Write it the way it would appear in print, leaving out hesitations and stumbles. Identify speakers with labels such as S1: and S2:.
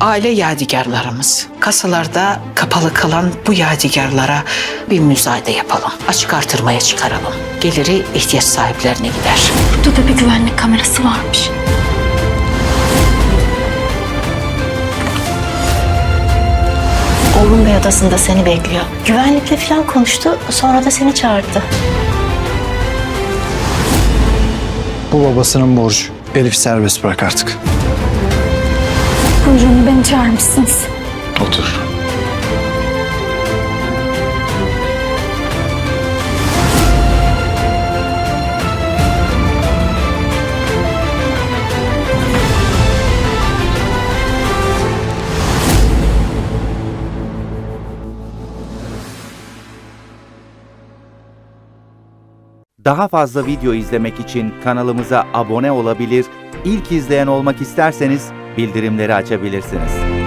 S1: aile yadigarlarımız. Kasalarda kapalı kalan bu yadigarlara bir müzayede yapalım. Açık artırmaya çıkaralım. Geliri ihtiyaç sahiplerine gider.
S2: Burada da bir güvenlik kamerası varmış.
S3: Oğlum Bey odasında seni bekliyor. Güvenlikle falan konuştu, sonra da seni çağırdı.
S4: Bu babasının borcu. Elif serbest bırak artık.
S2: Buyurun, beni çağırmışsınız.
S4: Otur.
S5: Daha fazla video izlemek için kanalımıza abone olabilir, ilk izleyen olmak isterseniz bildirimleri açabilirsiniz.